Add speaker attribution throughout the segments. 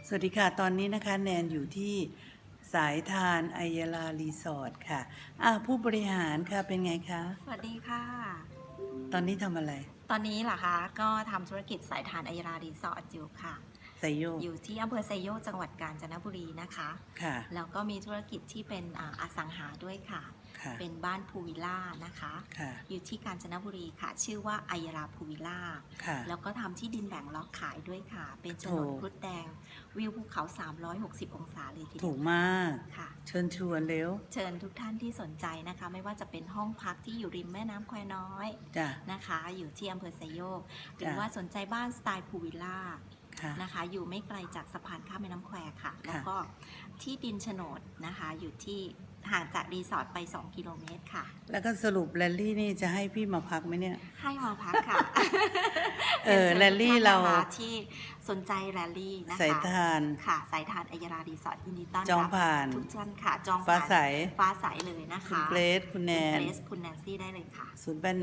Speaker 1: สวัสดีค่ะตอนนี้นะคะแนนอยู่ที่สายทานไอยาลารีสอร์ทค่ะผู้บริหารค่ะเป็นไงคะ
Speaker 2: สวัสดีค่ะ
Speaker 1: ตอนนี้ทำอะไร
Speaker 2: ตอนนี้เหรอคะก็ทำธุรกิจสายทานไอยาลารีสอร์ทอยู่ค่ะ
Speaker 1: ไซโยก
Speaker 2: อยู่ที่อำเภอไซโยกจังหวัดกาญจนบุรีนะคะ
Speaker 1: ค่ะ
Speaker 2: แล้วก็มีธุรกิจที่เป็นอสังหาด้วยค่ะ
Speaker 1: ค่ะ
Speaker 2: เป็นบ้านพูวิลล่านะคะ
Speaker 1: ค่ะ
Speaker 2: อยู่ที่กาญจนบุรีค่ะชื่อว่าไอยาลาพูวิลล่า
Speaker 1: ค่ะ
Speaker 2: แล้วก็ทำที่ดินแบ่งล็อกขายด้วยค่ะเป็นโฉนดครุฑแดงวิวภูเขา360องศาเลยทีเดียว
Speaker 1: ถูกมาก
Speaker 2: ค่ะ
Speaker 1: เชิญชวนเร็ว
Speaker 2: เชิญทุกท่านที่สนใจนะคะไม่ว่าจะเป็นห้องพักที่อยู่ริมแม่น้ำแควน้อย
Speaker 1: จ้ะ
Speaker 2: นะคะอยู่ที่อำเภอไซโยกหรือ
Speaker 1: จ้ะ
Speaker 2: ว่าสนใจบ้านสไตล์พูวิลล่า
Speaker 1: ค่ะ
Speaker 2: นะคะอยู่ไม่ไกลจากสะพานข้ามแม่น้ำแควค่ะแล้วก็ที่ดินโฉนดนะคะอยู่ที่ห่างจากรีสอร์ทไป2 กิโลเมตรค่ะ
Speaker 1: แล้วก็สรุปแรลลี่นี่จะให้พี่มาพักไหมเนี่ย
Speaker 2: ให้มาพักค่ะ
Speaker 1: แรลลี่เรา
Speaker 2: ที่สนใจแรลลี่นะคะ
Speaker 1: สายทาน
Speaker 2: ค่ะสายทานไอยาลารีสอร์ทยินดีต้อนรับ
Speaker 1: จองผ่าน
Speaker 2: ทุกท่านค่ะจองผ่าน
Speaker 1: ฟ้าใส
Speaker 2: ฟ้าใสเลยนะคะ
Speaker 1: คุณเกรซคุณแนน
Speaker 2: คุณเกรซคุณแนนซี่ได้เลยค่ะ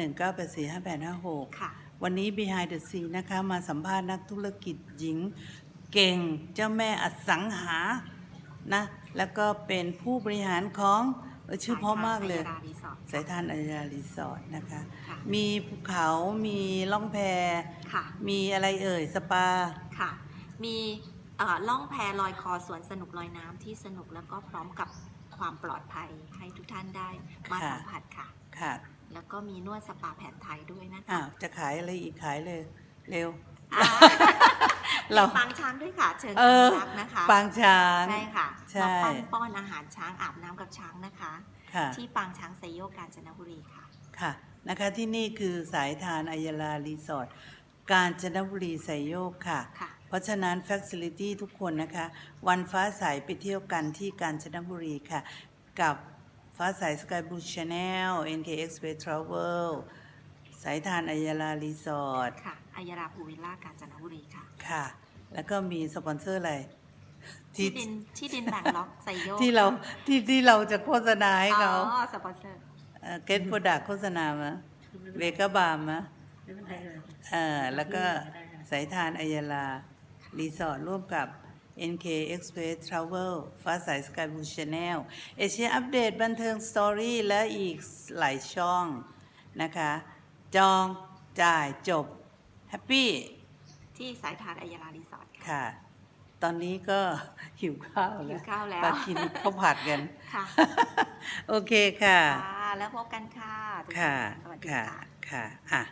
Speaker 1: 0819845856
Speaker 2: ค่ะ
Speaker 1: วันนี้ Behind the Scene นะคะมาสัมภาษณ์นักธุรกิจหญิงเก่งเจ้าแม่อสังหานะแล้วก็เป็นผู้บริหารของชื่อเพราะมากเลยสายทานอัยยารีสอร์ทนะคะมีภูเขามีล่องแพมีอะไรสปา
Speaker 2: ค่ะมีล่องแพลอยคอสวนสนุกลอยน้ำที่สนุกแล้วก็พร้อมกับความปลอดภัยให้ทุกท่านได้มาสัมผัสค่ะ
Speaker 1: ค่ะ
Speaker 2: แล้วก็มีนวดสปาแผนไทยด้วยนะคะ
Speaker 1: จะขายอะไรอีกขายเลยเร็ว
Speaker 2: เราปางช้างด้วยค่ะเชิญรักนะคะ
Speaker 1: ปางช้าง
Speaker 2: ใช่ค่ะมาป้อนอาหารช้างอาบน้ำกับช้างนะคะที่ปางช้างไซโยกกาญจนบุรีค่ะ
Speaker 1: ค่ะนะคะที่นี่คือสายทานอัยยาลารีสอร์ทกาญจนบุรีไซโยกค่ะเพราะฉะนั้น Facility ทุกคนนะคะวันฟ้าใสไปเที่ยวกันที่กาญจนบุรีค่ะกับฟ้าใสสกายบลูชาแนล NK Express Travel สายทานอัยยาลารีสอร์ท
Speaker 2: ค่ะอัยยาลาพูวิลล่ากาญจนบุรีค่ะ
Speaker 1: ค่ะแล้วก็มีสปอนเซอร์อะไร
Speaker 2: ที่ดินแบ่งล็อกไซโยก
Speaker 1: ที่เราจะโฆษณาให้เขา
Speaker 2: สปอนเซอร์
Speaker 1: เกตโปรดักโฆษณามาเวก้าบาร์มแล้วก็สายทานอัยยาลารีสอร์ทร่วมกับ NK Express Travel ฟ้าใสสกายบลูชาแนลเอเชียอัปเดตบันเทิงสตอรี่และอีกหลายช่องนะคะจองจ่ายจบแฮปปี้
Speaker 2: ที่สายทานอัยยาลารีสอร์ท
Speaker 1: ค่ะตอนนี้ก็หิวข้าวแล้วมากินข้าวผัดกัน
Speaker 2: ค่ะ
Speaker 1: โอเคค่ะ
Speaker 2: แล้วพบกันค่ะ
Speaker 1: ค่ะค่ะค่ะ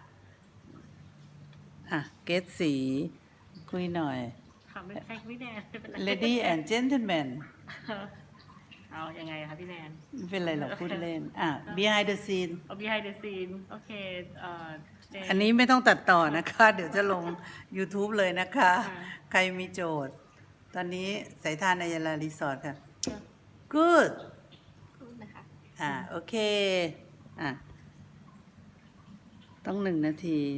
Speaker 1: เกตสีคุยหน่อย
Speaker 3: ค่ะไม่ใช่พี่แนน
Speaker 1: Lady and Gentleman
Speaker 3: เอายังไงคะพี่แนน
Speaker 1: ไม่เป็นไรหรอกพูดเล่นBehind the Scene
Speaker 3: Behind the Scene โอเค
Speaker 1: อันนี้ไม่ต้องตัดต่อนะคะเดี๋ยวจะลง YouTube เลยนะคะใครมีโจทย์ตอนนี้สายทานอัยยาลารีสอร์ทค่ะ Good
Speaker 2: นะคะ
Speaker 1: โอเคต้อง1 นาที